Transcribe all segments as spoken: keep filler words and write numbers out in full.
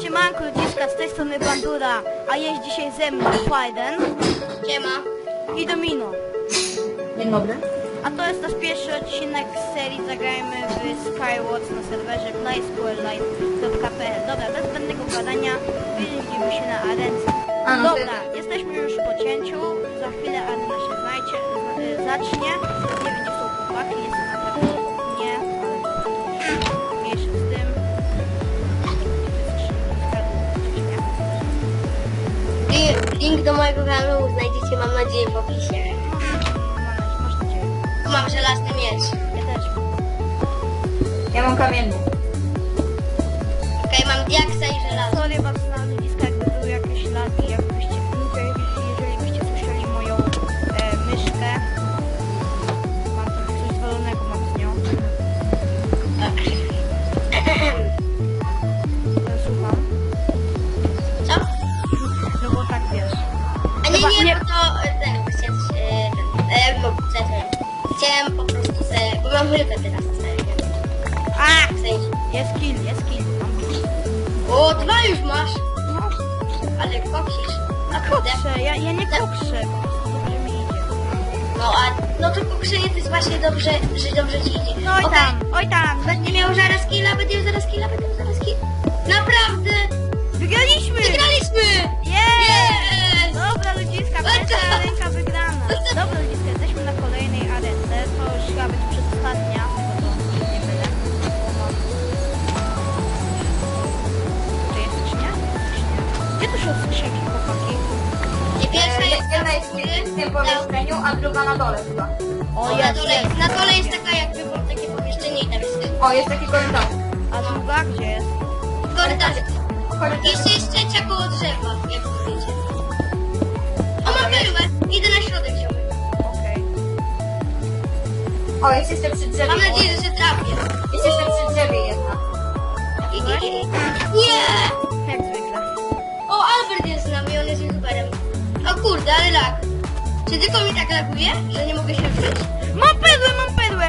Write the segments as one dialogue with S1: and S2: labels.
S1: Siemanko ludziska, z tej strony Bandura, a jest dzisiaj ze mną Fajden.
S2: Siema.
S1: I Domino.
S3: Dzień dobry.
S1: A to jest nasz pierwszy odcinek z serii Zagrajmy w Skywars na serwerze playsqlelive kropka p l. Dobra, bez zbędnego gadania, widzimy się na arence.
S3: A, no
S1: Dobra,
S3: to...
S1: jesteśmy już po cięciu, za chwilę arena się znajdzie, z, zacznie. Nie wiem gdzie są chłopaki, jestem na pewno nie, ale mniejszy z tym.
S2: Link do mojego kanału znajdziecie, mam nadzieję, w opisie.
S1: Masz nadzieję.
S2: Mam żelazny miecz.
S1: Ja też.
S3: Ja mam kamienny.
S2: Okej, mam diaksa i żelazo.
S1: Sorry bardzo na ludziska, jakby były jakieś lagi, jakbyście, jeżeli byście słyszeli moją e, myszkę. Mam trochę coś zwalonego, mam z nią. Słucham.
S2: Co?
S1: No bo tak wiesz.
S2: A nie,
S1: Chyba
S2: nie,
S1: nie-
S2: bo to... e, ten, chciałem, e, e, bo, co ja chciałem? Chciałem po prostu se... Bo mam rybę teraz na stanie.
S1: A!
S2: W sensie.
S1: Jest kill, jest kill. Mam kill.
S2: O, dwa już masz.
S1: No,
S2: Ale koksisz. A kurde.
S1: kokszę, ja, ja nie kokszę, po prostu dobrze mi idzie.
S2: No a... No to kokszenie to jest właśnie dobrze, że dobrze ci idzie.
S1: No oj
S2: Okej.
S1: tam, oj tam.
S2: Będę miał zaraz killa, będę miał zaraz killa, będę miał zaraz killa. Naprawdę!
S1: Wygraliśmy!
S2: Wygraliśmy!
S1: Jest!
S2: Jest!
S1: Dobra ludziska, pierwsza ręka wygrana. Dobra ludziska, jesteśmy na kolejnej arence. To już chyba być przedostatnia, bo to nie byle. Czy jest czy nie? Czy nie? Gdzie tu są skrzynki, chłopaki?
S2: I pierwsza
S3: E,
S2: jest
S3: jedna jest w tym pomieszczeniu, a druga na dole chyba.
S1: O,
S2: O, na, dole, na dole jest taka jakby było takie pomieszczenie i tam jest
S3: O, jest taki korytarz.
S1: A druga gdzie jest?
S2: korytarz.
S3: Korytarz.
S2: Jeszcze jest trzecia koło drzewa, jak widzicie. O, mam perłę. Idę na środek, ziomek.
S1: Okej.
S3: O, jest jeszcze przy drzewie.
S2: Mam nadzieję, że trafię.
S3: Jest jeszcze przy drzewie jedna.
S2: I, i, i. Nie!
S1: Jak zwykle.
S2: O, Albert jest z nami, on jest youtuberem. O kurde, ale lag. Czy tylko mi tak laguje, że nie mogę się ruszyć?
S1: Mam perłę, mam perłę!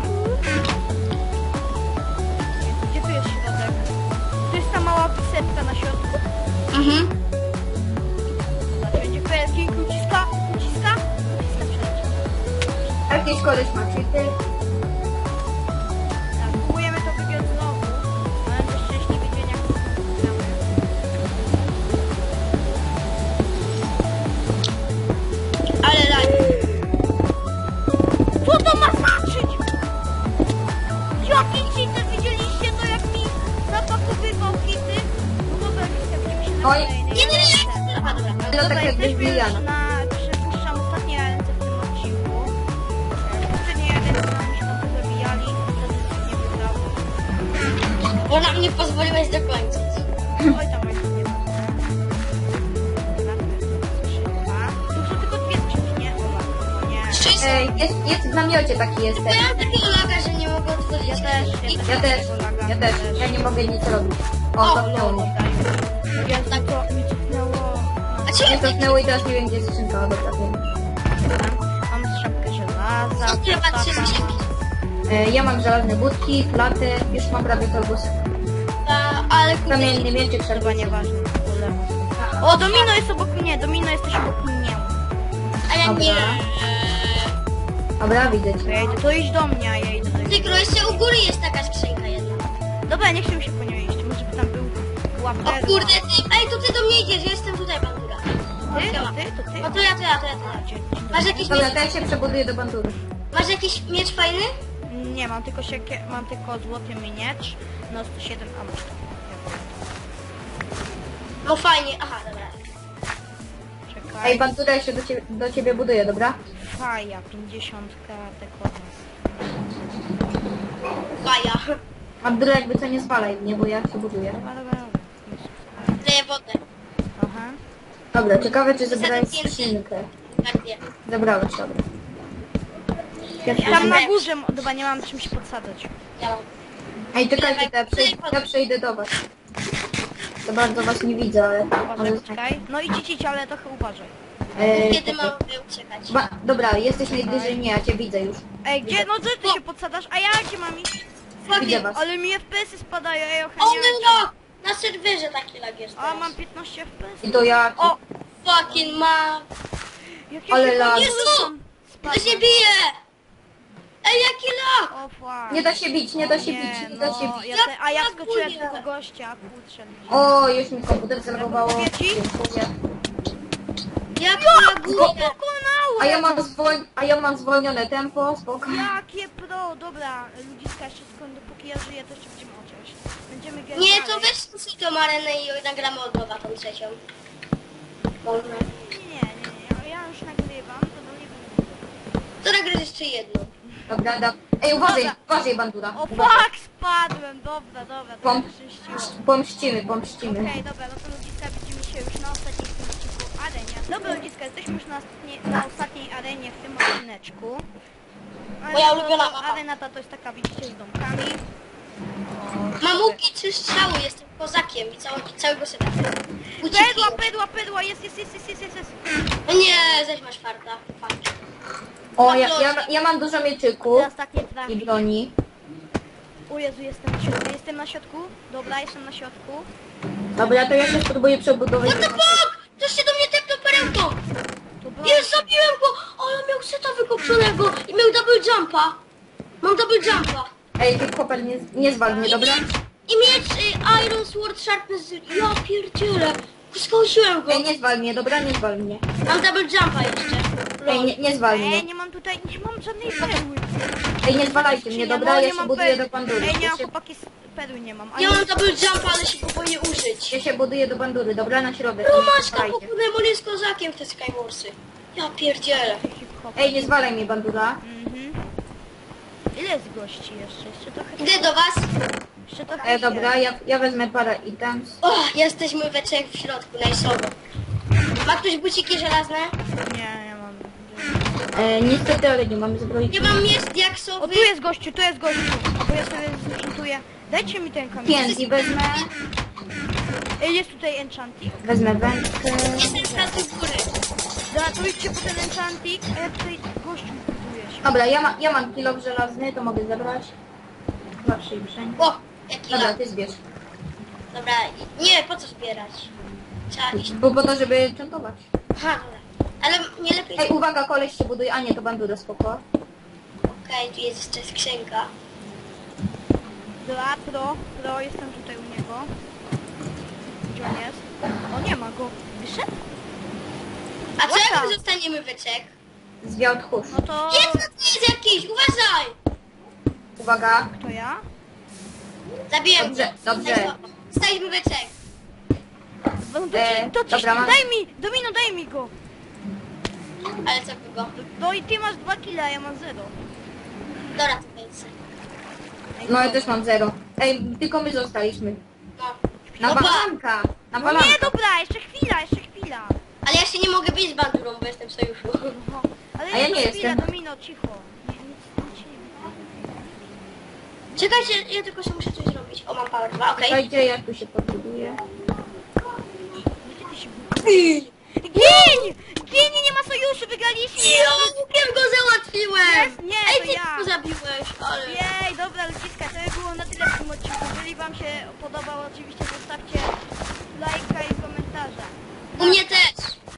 S1: Gdzie tu jest środek? Tu jest ta mała pisepka na środku.
S2: Mhm.
S1: Zobaczcie, będzie perki, uciska, uciska, uciska przeleciał.
S3: Jakiś koleś ma cheaty.
S1: Tak, próbujemy to wygrać znowu, ale to szczęśliwy dzień jak to gramy.
S2: Ale lag.
S1: Co to ma znaczyć? Jaki cheater, widzieliście to jak mi zapakowywał hity? No dobra, widzimy się na
S3: Oj.
S1: kolejnej
S2: Nie, nie, nie.
S1: ręce.
S2: Aha, dobra.
S3: To
S1: Dobra,
S3: tak jakbyś
S1: jesteśmy już
S3: Juliana.
S1: na... Przypuszczam ostatniej ręce w tym odcinku. W poprzedniej ręce nam się trochę zabijali, wtedy nie wygrało.
S2: Bo nam nie pozwoliłeś dokończyć.
S1: Oj tam, oj tam, nie ma. Dobra, to jest tylko skrzynka. Tu są tylko dwie skrzynki, nie? Dobra, no nie.
S2: Szczęście.
S3: Ej, jest, jest w namiocie taki jest.
S2: Bo ja mam takiego laga, że nie mogę otworzyć.
S1: Ja też,
S2: I-
S1: ja
S3: Ja też, ja też. Ja nie mogę nic robić. O, cofnęło mnie.
S1: Jezu, to mi cofnęło.
S2: A czy
S3: Nie
S2: ja
S3: cofnęło i teraz nie wiem gdzie jest skrzynka. O, dobra, wiem.
S1: Mam strzałkę żelaza.
S2: Co ty ma trzy
S1: taka.
S2: skrzynki?
S3: E, ja mam żelazne budki, platy, już mam prawie korbusy.
S2: A, ale kurde.
S3: Kamienny mieczyk,
S1: Chyba
S3: szerba
S1: nieważne. O, Domino jest obok mnie, Domino jesteś obok mnie.
S2: A ja nie.
S3: Dobra, widzę
S1: To
S3: cię.
S1: ja idę, to idź do mnie, a ja idę do ciebie.
S2: Tylko jeszcze u góry jest taka skrzynka jedna.
S1: Dobra, nie chcę mi się po nią iść, może by tam był łapka.
S2: O kurde, ty. Ej, to ty do mnie idziesz, ja jestem tutaj, bandura.
S1: Ty, to ty, to ty.
S2: O, to ja, to ja, to ja, to ja.
S1: A, dzień- dzień
S2: Masz
S1: dobry.
S2: jakiś
S3: Dobra,
S2: miecz?
S3: to ja się przebuduję do bandury.
S2: Masz jakiś miecz fajny?
S1: Nie, mam tylko siekie, mam tylko złoty miecz, no sto siedem, a masz to.
S2: No fajnie, aha, dobra.
S1: Czekaj.
S3: Ej, bandura, ja się do ciebie, do ciebie buduję, dobra?
S1: Faja, pięćdziesiątka, dekona.
S2: Faja.
S3: Bandura, jakby co nie zwalaj mnie, bo ja się buduję.
S1: Dobra, dobra, dobra.
S2: Daję wodę.
S1: Aha.
S3: Dobra, ciekawe czy zebrałeś
S2: Zatem
S3: skrzynkę.
S2: Tak, nie.
S3: Zebrałeś, dobra.
S1: Tam na górze, m- dobra, nie mam czym się podsadzać.
S2: Ja mam.
S3: Ej, czekajcie, to ja, przej ja przejdę do was. To bardzo was nie widzę, ale...
S1: Uważaj,
S3: ale...
S1: poczekaj. No idź, idź, idź, ale trochę uważaj.
S3: Ej,
S2: Kiedy mam uciekać?
S3: ba dobra, jesteś najbliżej mnie, ja cię widzę już.
S1: Ej, gdzie, no gdzie ty się podsadasz, a ja gdzie mam iść?
S3: Widzę was.
S1: Ale mi F P S-y spadają, ej,
S2: O
S1: ochroniarze.
S2: no! Na serwerze taki lag jest
S1: A,
S2: teraz.
S1: mam piętnaście F P S.
S3: I to jak?
S2: O, fucking ma...
S1: Jak ja
S3: Ale
S1: się
S3: lag.
S1: podniosłem,
S2: Jezu! To
S1: spadłem.
S2: się bije! Ej, jaki lag!
S1: O, fuck.
S3: Nie da się bić, nie da się
S1: Nie,
S3: bić, nie da się
S1: no,
S3: bić.
S1: ja te, a ja
S2: Jak
S1: skoczyłem
S2: laguje.
S1: tylko gościa, kurczę.
S3: O, już mi komputer zalogowało.
S1: Mówię ci?
S3: Dziękuję.
S2: Jak
S1: Go
S2: laguje!
S1: pokonałem!
S3: A ja mam zwol... a ja mam zwolnione tempo, spoko.
S1: Jakie pro, dobra, ludziska, jeszcze skąd, dopóki ja żyję, to jeszcze będziemy chociaż. Będziemy grać
S2: Nie,
S1: dalej.
S2: to weź sobie tą arenę i nagramy od nowa tą trzecią. Może.
S1: Nie, nie, nie, ja już nagrywam, to do nie będę.
S2: To nagrasz jeszcze jedną.
S3: Dobra, da... Ej, uważaj,
S1: Dobra.
S3: uważaj, bandura.
S1: O
S3: Uważaj.
S1: fuck, spadłem, dobra, dobra, to
S3: Pom-
S1: mnie szczęściło.
S3: Pomścimy, pomścimy.
S1: Okej, dobra, no to ludziska, widzimy się już na ostatniej w tym odcinku arenie. Dobra ludziska, jesteśmy już na, ostatniej, na ostatniej arenie w tym odcineczku. Arena
S2: Moja
S1: to-
S2: ulubiona
S1: to-
S2: mapa.
S1: Arena ta to jest taka, widzicie, z domkami.
S2: Mam łuki, trzy strzały, jestem kozakiem i całego, całego seta.
S1: Perła, perła, perła, jest, jest, jest, jest, jest, jest, jest.
S2: No nie, zaś masz farta. Fakt.
S3: O, ja, ja, ja mam dużo mieczyków
S1: Te ostatnie trafi.
S3: i broni.
S1: O Jezu, jestem na środku, jestem na środku. Dobra, jestem na środku.
S3: Dobra, to ja się spróbuję przebudować.
S2: What the fuck? Ktoś się do mnie tepnął perełką!
S1: To broń.
S2: Nie, zabiłem go! Ale miał seta wykopczonego i miał double jumpa. Mam double jumpa.
S3: Ej, ty koper, nie, nie zwal mnie,
S2: I
S3: dobra?
S2: miecz, i miecz y, Iron Sword Sharpness. Ja pierdzielę. Skąsiłem go.
S3: Ej, nie zwal mnie, dobra? Nie zwal mnie.
S2: Mam double jumpa jeszcze.
S3: Ej, nie, nie zwal
S1: Ej,
S3: mnie.
S1: nie mam tutaj, nie mam żadnej perły.
S3: Ej, nie zwalajcie mnie, dobra?
S1: No,
S3: Ja
S1: nie
S3: się
S1: mam
S3: buduję
S1: perły.
S3: do bandury.
S1: Ej, nie
S3: Ja
S1: mam
S3: się,
S1: chłopaki, z perły nie mam.
S2: Ja mam double jumpa, ale się go boję użyć.
S3: ja się buduję do bandury, dobra? Na środek.
S2: No
S3: nie
S2: maczka,
S3: zwalajcie.
S2: pokudem, on jest kozakiem w te Skywarsy. Ja pierdzielę.
S3: Ej, nie zwalaj mnie, bandura.
S1: Mhm. Ile jest gości jeszcze? Jeszcze trochę.
S2: Idę do was.
S1: Jeszcze trochę.
S3: Ej, dobra, ja, ja wezmę parę items.
S2: O, jesteśmy we trzech w środku, najsowo. Ma ktoś buciki żelazne?
S1: Nie, nie mam.
S3: E, niestety, ale nie mamy zbroi.
S2: Nie mam miecz
S1: O,
S2: diaksowy.
S1: tu jest gościu, tu jest gościu. Bo ja sobie zenchantuję. Dajcie mi ten kamień.
S3: Pięć wezmę,
S1: Ej, jest tutaj enchanting.
S3: wezmę wędkę.
S2: Jestem z pracy góry.
S1: Dobra, to idźcie po ten enchanting, a ja tutaj gościu buduję się.
S3: Dobra, ja, ma, ja mam kilo żelazny, to mogę zabrać. Zawsze i wszędzie.
S2: O, jaki
S3: Dobra,
S2: lag.
S3: ty zbierz.
S2: Dobra, i- nie, po co zbierać? Trzeba iść.
S3: Bo po to, żeby czantować.
S2: Aha, dobra. Ale nie lepiej...
S3: Ej, uwaga, koleś się buduje. A nie, to bandura, spoko.
S2: Okej, tu jest jeszcze skrzynka.
S1: Dobra, pro, pro, jestem tutaj u niego. Gdzie on jest? O, nie ma go. Wyszedł?
S2: A co
S1: Łata.
S2: jak my zostaniemy we trzech?
S3: Zwiał tchórz.
S1: No to...
S2: Jest, to jest jakiś, uważaj!
S3: Uwaga.
S1: To ja?
S2: Zabiłem
S3: Dobrze,
S2: go.
S3: dobrze.
S2: Staliśmy we trzech.
S1: No to,
S3: E,
S1: to, to
S3: dobra, mam-
S1: daj mi, Domino, daj mi go.
S2: Ale co kogo?
S1: No i ty masz dwa kile, a ja mam zero.
S2: Dobra, to jest.
S1: Ej,
S3: No ja
S1: dobra.
S3: też mam zero. Ej, tylko my zostaliśmy.
S2: No.
S3: Na
S2: Opa.
S3: balanka! Na
S1: No
S3: balanka!
S1: nie, dobra, jeszcze chwila, jeszcze chwila.
S2: Ale ja się nie mogę bić z bandurą, bo jestem w sojuszu.
S1: No, ale
S3: A ja
S1: jeszcze
S3: nie
S1: chwila,
S3: jestem.
S1: Domino, cicho. Nie, nic, nic się nie
S2: Czekajcie, ja tylko sobie muszę coś zrobić. O, mam power dwa, okej.
S3: Słuchajcie, ja tu się podbuduję.
S1: Gdzie ty się budujesz? Gień! Gień, nie ma sojuszu, wygraliśmy!
S2: Jo, łukiem go załatwiłem!
S1: Jest? Nie,
S2: Ej,
S1: to
S2: ty
S1: ja.
S2: go zabiłeś, ale...
S1: Jej, dobra ludziska, to by było na tyle w tym odcinku. Jeżeli wam się podobał, oczywiście zostawcie lajka i komentarza.
S2: U mnie też.